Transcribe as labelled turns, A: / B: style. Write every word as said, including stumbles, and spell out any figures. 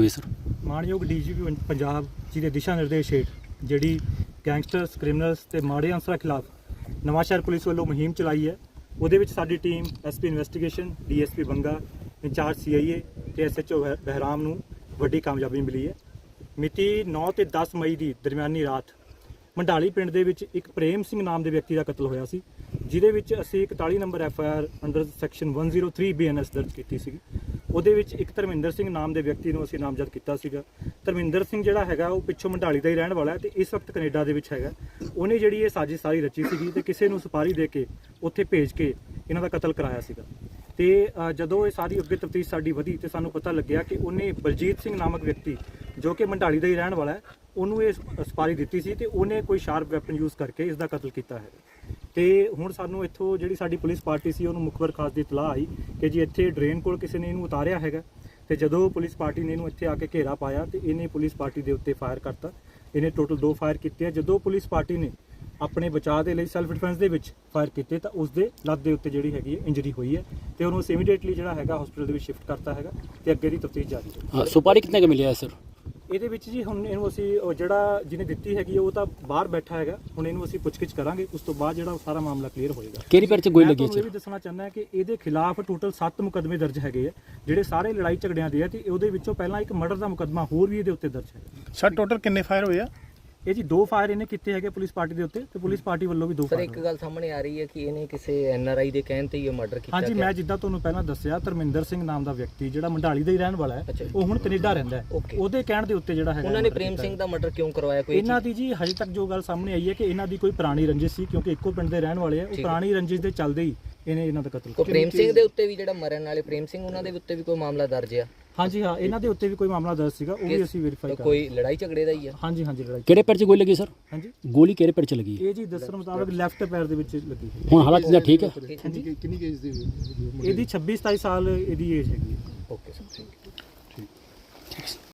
A: ਹੋਈ ਸਰ?
B: ਮਾਣਯੋਗ ਡੀਜੀਪੀ ਪੰਜਾਬ ਜੀ ਦੇ ਦਿਸ਼ਾ ਨਿਰਦੇਸ਼ ਹੇਠ ਜਿਹੜੀ ਗੈਂਗਸਟਰਸ ਕ੍ਰਿਮੀਨਲਸ ਤੇ ਮਾੜੇ ਅਨਸਰਾਂ ਖਿਲਾਫ ਨਵਾਂਸ਼ਹਿਰ ਪੁਲਿਸ ਵੱਲੋਂ ਮੁਹਿੰਮ ਚਲਾਈ ਹੈ। ਉਹਦੇ ਵਿੱਚ ਸਾਡੀ team SP investigation, DSP Banga, incharge CIA ਤੇ ਐਸਐਚਓ ਬਹਿਰਾਮ ਨੂੰ ਵੱਡੀ ਕਾਮਯਾਬੀ ਮਿਲੀ ਹੈ। ਮਿਤੀ ਨੌ ਤੇ ਦਸ ਮਈ ਦੀ ਦਰਮਿਆਨੀ ਰਾਤ ਮੰਡਾਲੀ ਪਿੰਡ ਦੇ ਵਿੱਚ ਇੱਕ ਪ੍ਰੇਮ ਸਿੰਘ ਨਾਮ ਦੇ ਵਿਅਕਤੀ ਦਾ ਕਤਲ ਹੋਇਆ ਸੀ, ਜਿਹਦੇ ਵਿੱਚ ਅਸੀਂ ਇਕਤਾਲੀ number F I R under section ਇੱਕ ਜ਼ੀਰੋ ਤਿੰਨ ਬੀ ਐਨ ਐਸ ਦਰਜ ਕੀਤੀ ਸੀ। ਉਹਦੇ ਵਿੱਚ ਇੱਕ ਧਰਮਿੰਦਰ ਸਿੰਘ ਨਾਮ ਦੇ ਵਿਅਕਤੀ ਨੂੰ ਅਸੀਂ ਨਾਮਜ਼ਦ ਕੀਤਾ ਸੀਗਾ। ਧਰਮਿੰਦਰ ਸਿੰਘ ਜਿਹੜਾ ਹੈਗਾ ਉਹ ਪਿੱਛੋਂ ਮੰਡਾਲੀ ਦਾ ਹੀ ਰਹਿਣ ਵਾਲਾ ਹੈ ਤੇ ਇਸ ਵਕਤ ਕੈਨੇਡਾ ਦੇ ਵਿੱਚ ਹੈਗਾ। ਉਹਨੇ ਜਿਹੜੀ ਇਹ ਸਾਜ਼ਿਸ਼ ਸਾਰੀ ਰਚੀ ਸੀਗੀ ਤੇ ਕਿਸੇ ਨੂੰ ਸੁਪਾਰੀ ਦੇ ਕੇ ਉੱਥੇ ਭੇਜ ਕੇ ਇਹਨਾਂ ਦਾ ਕਤਲ ਕਰਾਇਆ ਸੀਗਾ। ਤੇ ਜਦੋਂ ਇਹ ਸਾਰੀ ਅੱਗੇ ਤਫਤੀਸ਼ ਸਾਡੀ ਵਧੀ ਤੇ ਸਾਨੂੰ ਪਤਾ ਲੱਗਿਆ ਕਿ ਉਹਨੇ ਬਲਜੀਤ ਸਿੰਘ ਨਾਮਕ ਵਿਅਕਤੀ ਜੋ ਕਿ ਮੰਡਾਲੀ ਦਾ ਹੀ ਰਹਿਣ ਵਾਲਾ ਹੈ, ਉਹਨੂੰ ਇਹ ਸੁਪਾਰੀ ਦਿੱਤੀ ਸੀ ਤੇ ਉਹਨੇ ਕੋਈ ਸ਼ਾਰਪ ਵੈਪਨ ਯੂਜ਼ ਕਰਕੇ ਇਸ ਦਾ ਕਤਲ ਕੀਤਾ ਹੈ। ਤੇ ਹੁਣ ਸਾਨੂੰ ਇੱਥੋਂ ਜਿਹੜੀ ਸਾਡੀ ਪੁਲਿਸ ਪਾਰਟੀ ਸੀ ਉਹਨੂੰ ਮੁਖਬਰ ਖਾਸ ਦੀ ਇਤਲਾਹ ਆਈ ਕਿ ਜੀ ਇੱਥੇ ਡਰੇਨ ਕੋਲ ਕਿਸੇ ਨੇ ਇਹਨੂੰ ਉਤਾਰਿਆ ਹੈਗਾ। ਤੇ ਜਦੋਂ ਪੁਲਿਸ ਪਾਰਟੀ ਨੇ ਇਹਨੂੰ ਇੱਥੇ ਆ ਕੇ ਘੇਰਾ ਪਾਇਆ ਤੇ ਇਹਨੇ ਪੁਲਿਸ ਪਾਰਟੀ ਦੇ ਉੱਤੇ ਫਾਇਰ ਕਰਤਾ। ਇਹਨੇ ਟੋਟਲ ਦੋ ਫਾਇਰ ਕੀਤੇ ਆ। ਜਦੋਂ ਪੁਲਿਸ ਪਾਰਟੀ ਨੇ ਆਪਣੇ ਬਚਾਅ ਦੇ ਲਈ ਸੈਲਫ ਡਿਫੈਂਸ ਦੇ ਵਿੱਚ ਫਾਇਰ ਕੀਤੇ ਤਾਂ ਉਸ ਦੇ ਲੱਤ ਦੇ ਉੱਤੇ ਜਿਹੜੀ ਹੈਗੀ ਹੈ ਇੰਜਰੀ ਹੋਈ ਹੈ ਤੇ ਉਹਨੂੰ ਅਸੀਂ ਇਮੀਡੀਏਟਲੀ ਜਿਹੜਾ ਹੈਗਾ ਹਸਪੀਟਲ ਦੇ ਵਿੱਚ ਸ਼ਿਫਟ ਕਰਤਾ ਹੈਗਾ ਤੇ ਅੱਗੇ ਦੀ ਤਫਤੀਸ਼ ਜਾਰੀ ਹੈ।
A: ਸੁਪਾਰੀ ਕਿੰਨੇ ਕੁ ਮਿਲਿਆ ਸਰ?
B: ਇਹਦੇ ਵਿੱਚ ਜੀ ਹੁਣ ਇਹਨੂੰ ਅਸੀਂ ਉਹ ਜਿਹੜਾ ਜਿਹਨੇ ਦਿੱਤੀ ਹੈਗੀ ਉਹ ਤਾਂ ਬਾਹਰ ਬੈਠਾ ਹੈਗਾ, ਹੁਣ ਇਹਨੂੰ ਅਸੀਂ ਪੁੱਛਗਿੱਛ ਕਰਾਂਗੇ। ਉਸ ਤੋਂ ਬਾਅਦ ਜਿਹੜਾ ਉਹ ਸਾਰਾ ਮਾਮਲਾ ਕਲੀਅਰ ਹੋਏਗਾ।
A: ਕਿਹੜੀ ਪੈਰ 'ਚ ਗੋਲੀ ਲੱਗੀ
B: ਮੈਂ ਤੁਹਾਨੂੰ ਇਹ ਵੀ ਦੱਸਣਾ ਚਾਹੁੰਦਾ ਕਿ ਇਹਦੇ ਖਿਲਾਫ ਟੋਟਲ ਸੱਤ ਮੁਕੱਦਮੇ ਦਰਜ ਹੈਗੇ ਆ, ਜਿਹੜੇ ਸਾਰੇ ਲੜਾਈ ਝਗੜਿਆਂ ਦੇ ਆ ਤੇ ਉਹਦੇ ਵਿੱਚੋਂ ਪਹਿਲਾਂ ਇੱਕ ਮਰਡਰ ਦਾ ਮੁਕੱਦਮਾ ਹੋਰ ਵੀ ਇਹਦੇ ਉੱਤੇ ਦਰਜ ਹੈ।
C: ਸਰ ਟੋਟਲ ਕਿੰਨੇ ਫਾਇਰ ਹੋਏ ਆ?
B: ਇਹ ਜੀ ਦੋ ਫਾਇਰ ਇਹਨੇ ਕੀਤੇ ਹੈਗੇ ਪੁਲਿਸ ਪਾਰਟੀ ਦੇ ਉੱਤੇ ਤੇ ਪੁਲਿਸ ਪਾਰਟੀ ਵੱਲੋਂ ਵੀ ਦੋ
D: ਸਰ
B: ਫਾਇਰ।
D: ਇੱਕ ਗੱਲ ਸਾਹਮਣੇ ਆ ਰਹੀ ਹੈ ਕਿ ਇਹਨੇ ਕਿਸੇ ਐਨ ਆਰ ਆਈ ਦੇ ਕਹਿਣ ਤੇ ਹੀ ਇਹ ਮਰਡਰ ਕੀਤਾ
B: ਹਾਂਜੀ, ਮੈਂ ਜਿੱਦਾਂ ਤੁਹਾਨੂੰ ਪਹਿਲਾਂ ਦੱਸਿਆ ਧਰਮਿੰਦਰ ਸਿੰਘ ਨਾਮ ਦਾ ਵਿਅਕਤੀ ਜਿਹੜਾ ਮੰਡਾਲੀ ਦਾ ਹੀ ਰਹਿਣ ਵਾਲਾ ਹੈ, ਉਹ ਹੁਣ ਕੈਨੇਡਾ ਰਹਿੰਦਾ ਹੈ। ਉਹਦੇ ਕਹਿਣ ਦੇ ਉੱਤੇ ਜਿਹੜਾ ਹੈਗਾ
D: ਉਹਨਾਂ ਨੇ ਪ੍ਰੇਮ ਸਿੰਘ ਦਾ ਮਰਡਰ ਕਿਉਂ ਕਰਵਾਇਆ? ਕੋਈ
B: ਇਹਨਾਂ ਦੀ ਜੀ ਹਜੇ ਤੱਕ ਜੋ ਗੱਲ ਸਾਹਮਣੇ ਆਈ ਹੈ ਕਿ ਇਹਨਾਂ ਦੀ ਕੋਈ ਪੁਰਾਣੀ ਰੰਜਿਸ਼ ਸੀ, ਕਿਉਂਕਿ ਇੱਕੋ ਪਿੰਡ ਦੇ ਰਹਿਣ ਵਾਲੇ ਆ। ਉਹ ਪੁਰਾਣੀ ਰੰਜਿਸ਼ ਦੇ ਚੱਲਦੇ ਹੀ ਇਹਨੇ ਇਹਨਾਂ ਦਾ ਕਤਲ
D: ਕੀਤਾ। ਪ੍ਰੇਮ ਸਿੰਘ ਦੇ ਉੱਤੇ ਵੀ ਜਿਹੜਾ ਮਰਨ ਵਾਲੇ ਪ੍ਰੇਮ ਸਿੰਘ ਉਹਨਾਂ ਦੇ ਉੱਤੇ ਵੀ ਕੋਈ ਮਾਮਲਾ ਦਰਜ ਆ?
B: ਹਾਂਜੀ ਹਾਂ, ਇਹਨਾਂ ਦੇ ਉੱਤੇ ਵੀ ਕੋਈ ਮਾਮਲਾ ਦਰਜ ਸੀਗਾ, ਉਹ ਵੀ ਅਸੀਂ ਵੈਰੀਫਾਈ ਕਰ।
D: ਕੋਈ ਲੜਾਈ ਝਗੜੇ ਦਾ ਹੀ ਆ?
B: ਹਾਂਜੀ ਹਾਂਜੀ, ਲੜਾਈ।
A: ਕਿਹੜੇ ਪੈਰ 'ਚ ਗੋਲੀ ਲੱਗੀ ਸਰ?
B: ਹਾਂਜੀ,
A: ਗੋਲੀ ਕਿਹੜੇ ਪੈਰ 'ਚ ਲੱਗੀ?
B: ਇਹ ਜੀ ਦੱਸਣ ਮੁਤਾਬਕ ਲੈਫਟ ਪੈਰ ਦੇ ਵਿੱਚ ਲੱਗੀ।
A: ਹੁਣ ਹਾਲਤ ਇਹਦਾ ਠੀਕ ਹੈ?
C: ਕਿੰਨੀ ਏਜ ਦੀ?
B: ਇਹਦੀ ਛੱਬੀ ਸਤਾਈ ਸਾਲ ਇਹਦੀ ਏਜ ਹੈਗੀ ਹੈ।
D: Okay sir, thank you.